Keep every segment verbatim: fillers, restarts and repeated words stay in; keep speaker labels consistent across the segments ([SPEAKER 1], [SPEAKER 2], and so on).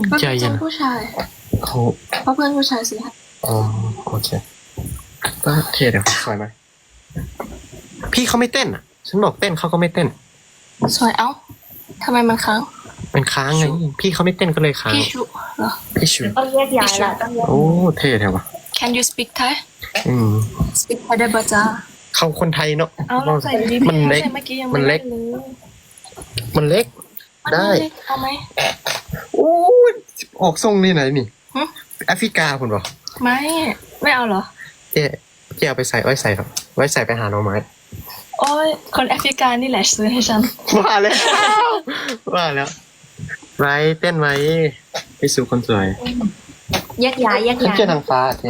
[SPEAKER 1] ก็
[SPEAKER 2] ใจ
[SPEAKER 1] เป็น
[SPEAKER 2] เย็
[SPEAKER 1] เจ้าน ผู้ชาย
[SPEAKER 2] เขา
[SPEAKER 1] เพราะเพื่อนผู้ชายสิ
[SPEAKER 2] อ๋อโอเคก็เท่เดี๋ยวสวยไหมพี่เขาไม่เต้นอ่ะ ฉันบอกเต้นเขาก็ไม่เต้น
[SPEAKER 1] สวยเอ้าทำไมมันค้าง
[SPEAKER 2] มันค้างไงพี่เขาไม่เต้นก็เลยค้าง
[SPEAKER 1] พี่ชุเหรอ
[SPEAKER 2] พี่ชู
[SPEAKER 3] ต้องแยกย้ายละต้องแยก
[SPEAKER 2] โอ้เท่เท่วะ
[SPEAKER 1] Can you speak Thai
[SPEAKER 2] อืม
[SPEAKER 1] speak Thai ได้ปะจ๊ะ
[SPEAKER 2] เขาคนไทยเนาะ
[SPEAKER 1] เอาเราใส่ดี
[SPEAKER 2] มันเล็ก
[SPEAKER 1] ใส่เมื่อกี้ยัง
[SPEAKER 2] มั
[SPEAKER 1] ไม่
[SPEAKER 2] นเล็
[SPEAKER 1] ได้
[SPEAKER 2] ก
[SPEAKER 1] เลย
[SPEAKER 2] มันเล็ก
[SPEAKER 1] มัน
[SPEAKER 2] ได้
[SPEAKER 1] เล็กเอาไหม
[SPEAKER 2] โอ้ยออกทรงนี่ไหนนี่
[SPEAKER 1] หึ
[SPEAKER 2] แอฟริกาคุณบอก
[SPEAKER 1] ไม่ไม่เอาเหรอ
[SPEAKER 2] เจ๊เจ๊เอาไปใส่ไว้ใส่ครับไว้ใส่ไปหาหน่อไม้
[SPEAKER 1] โอ้ยคนแอฟริกานี่แหละซื้อให้ฉัน
[SPEAKER 2] ว่าแล้ว ว่าแล้วไว้เต้นไว้พี่สูคนสวย
[SPEAKER 3] แยกย้ายแยก
[SPEAKER 2] ฉัน
[SPEAKER 3] ย้าย
[SPEAKER 2] เชื่อนางฟ้าเจ๊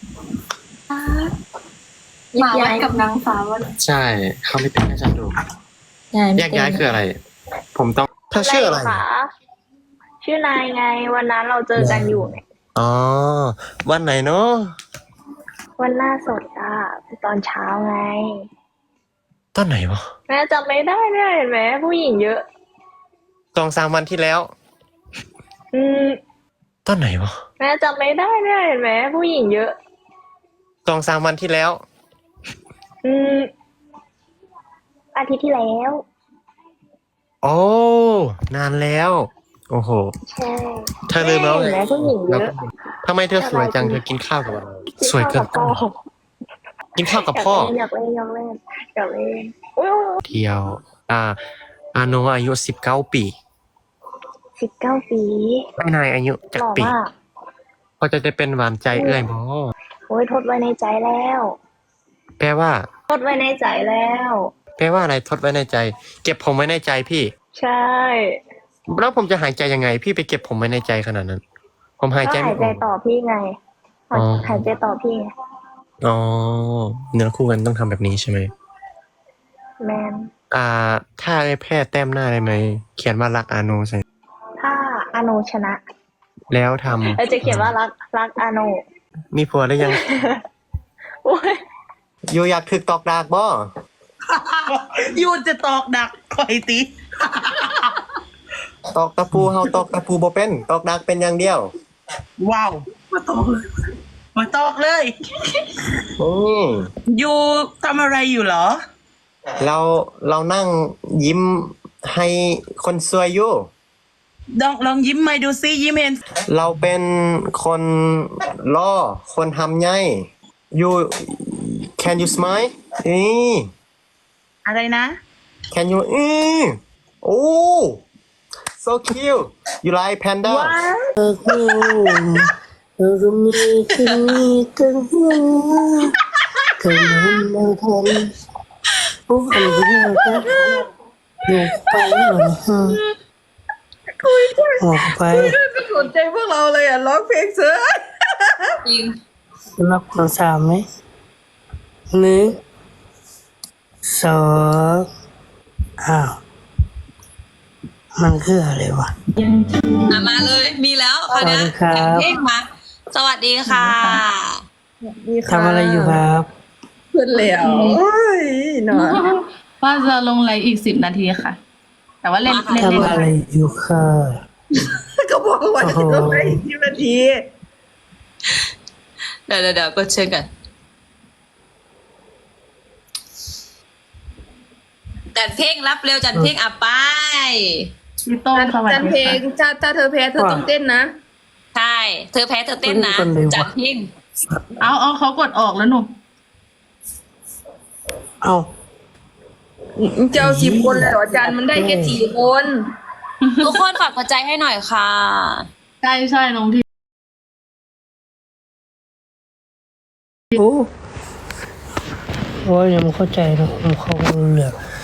[SPEAKER 1] หมาวัดกับนางฟ้าวัน
[SPEAKER 2] ใช่เขาไม่เต้นให้ฉันดูแยกย้ายคืออะไร ผมต้องเธอชื่ออะไร
[SPEAKER 3] คะชื่อนายไงวันนั้นเราเจอกันอยู่ไง
[SPEAKER 2] อ๋อวันไหนเนาะ
[SPEAKER 3] วันหน้าสดอ่ะตอนเช้าไง
[SPEAKER 2] ตอนไหนวะ
[SPEAKER 3] แม่จำไม่ได้เนี่ยเห็นไหมผู้หญิงเยอะ
[SPEAKER 2] สองสามวันที่แล้ว
[SPEAKER 3] อืม
[SPEAKER 2] ตอนไหนวะ
[SPEAKER 3] แม่จำไม่ได้เนี่ยเห็นไหมผู้หญิงเยอะ
[SPEAKER 2] สองสามวันที่แล้ว
[SPEAKER 3] อืมอาทิตย์ที่แล้ว
[SPEAKER 2] โอ้นานแล้ว โอ้โห
[SPEAKER 3] ใช่
[SPEAKER 2] เธอลืมแล้ว
[SPEAKER 3] เห็นไหมผู้หญิงเยอะ
[SPEAKER 2] ทำไมเธอสวยจังเธอกินข้าวกับอะไรสวยเกิน
[SPEAKER 3] พ่อ
[SPEAKER 2] กินข้าวกับพ่อ
[SPEAKER 3] อยากเล่นอยากเล่นอยากเล่นอยากเล่นอุ้ย
[SPEAKER 2] เที่ยว อ่า อาโนอายุสิบเก้าปี
[SPEAKER 3] สิบเก้าปี
[SPEAKER 2] ไม่นายอายุ
[SPEAKER 3] ห
[SPEAKER 2] จัก
[SPEAKER 3] ล่อ
[SPEAKER 2] ปี
[SPEAKER 3] มาก
[SPEAKER 2] ก็จะได้เป็นหวานใจเอื้อยหมอ
[SPEAKER 3] โอ้ยทดไว้ในใจแล้ว
[SPEAKER 2] แปลว่า
[SPEAKER 3] ทดไว้ในใจแล้ว
[SPEAKER 2] แปลว่าอะไรทดไว้ในใจ เก็บผมไว้ในใจพี่
[SPEAKER 3] ใช่
[SPEAKER 2] แล้วผมจะหายใจยังไง พี่ไปเก็บผมไว้ในใจขนาดนั้น ผมหาย
[SPEAKER 3] ก็
[SPEAKER 2] ใจ
[SPEAKER 3] หา
[SPEAKER 2] ไม่
[SPEAKER 3] ย
[SPEAKER 2] อ
[SPEAKER 3] ใจ
[SPEAKER 2] อก
[SPEAKER 3] ต่อพี่ไง
[SPEAKER 2] อ๋อ
[SPEAKER 3] หายใจต่อพี่ไง
[SPEAKER 2] อ๋อเนื้อคู่กันต้องทำแบบนี้ใช่ไหม
[SPEAKER 3] แมน
[SPEAKER 2] อ่า ถ้าได้แพร่แต้มหน้าได้ไหม เขียนว่ารักอาโนใส่
[SPEAKER 3] ถ้าอาโนชนะ
[SPEAKER 2] แล้วทำ
[SPEAKER 3] เราจะเขียนว่ารักรักอาโน
[SPEAKER 2] มีผัวได้ยัง
[SPEAKER 3] โอ้ย
[SPEAKER 2] อยู่อยากถึกตอกดากบ่
[SPEAKER 4] ยูจะตอกดักคอยตี
[SPEAKER 2] ตอกตะปูเฮาตอกตะปูบ่เป็นตอกดากเป็นอย่างเดียว
[SPEAKER 4] ว้าวมาตอกเลย มาตอกเลย
[SPEAKER 2] อืม
[SPEAKER 4] ยูทำอะไรอยู่เหรอ
[SPEAKER 2] เราเรานั่งยิ้มให้คนสวยอยู่
[SPEAKER 4] ลองลองยิ้มมาดูซิยิ้มเห็น
[SPEAKER 2] เราเป็นคนล่อคนทำไง you can you smile นี่
[SPEAKER 4] อะไรนะ
[SPEAKER 2] can you อือโอ้ so cute you like panda
[SPEAKER 5] เธอก็เธอก็มีคืนนี้กันเธอมันมาทำโอ้อันนี้ก็อยู่ไปหน่อยฮะออกไป
[SPEAKER 4] ไม่สนใจพวกเราเลยอ่ะร้องเพลงเสือ
[SPEAKER 5] รับโทรศัพท์ไหมหนึ่งสองอ้าวมันคืออะไรวะ
[SPEAKER 6] อ่ะมาเลยมีแล้วคราวเนี้ย
[SPEAKER 5] สวัสดีครับ
[SPEAKER 6] แต่งเพลงมาสวัสดีค่ะ
[SPEAKER 5] ทำอะไรอยู่ครับ
[SPEAKER 4] ขึ้นแล้วโอ้ยหนอน
[SPEAKER 7] ว่าจะลงไลฟ์อีกสิบนาทีค่ะ แต่ว่าเล่นเล่นเล่น
[SPEAKER 5] ทำอะไรอยู่ค่ะ
[SPEAKER 4] ก็บอกว่าจะต้องไปอีกสิบนาที
[SPEAKER 6] เดี๋ยวเดี๋ยวเดี๋ยวกดเชิญกันจัดเพลงรับเร็วจัดเพลงอ่ะไป
[SPEAKER 7] พี่โต้งสวัส
[SPEAKER 8] จัน
[SPEAKER 7] ดี
[SPEAKER 8] เพลง
[SPEAKER 7] ค่ะ
[SPEAKER 8] ถ้าถ้าเธอแพ้เธอต้องเต้นนะ
[SPEAKER 6] ใช่ เธอแพ้เธอเต้นนะ
[SPEAKER 5] คนเลยวะ
[SPEAKER 6] จัดเพลง
[SPEAKER 7] เอาเอาเขากดออกแล้วหนู
[SPEAKER 5] เอา
[SPEAKER 8] เจ้าสิบคนเลยเหรอจันมันได้แค่สี่คน
[SPEAKER 6] ทุกคนฝากหัวใจให้หน่อยค่ะ
[SPEAKER 7] ใช่ใช่น้องที่
[SPEAKER 5] โอ้โอ้ยยังไม่เข้าใจนะผมเข้าไม่รู้เรื่อง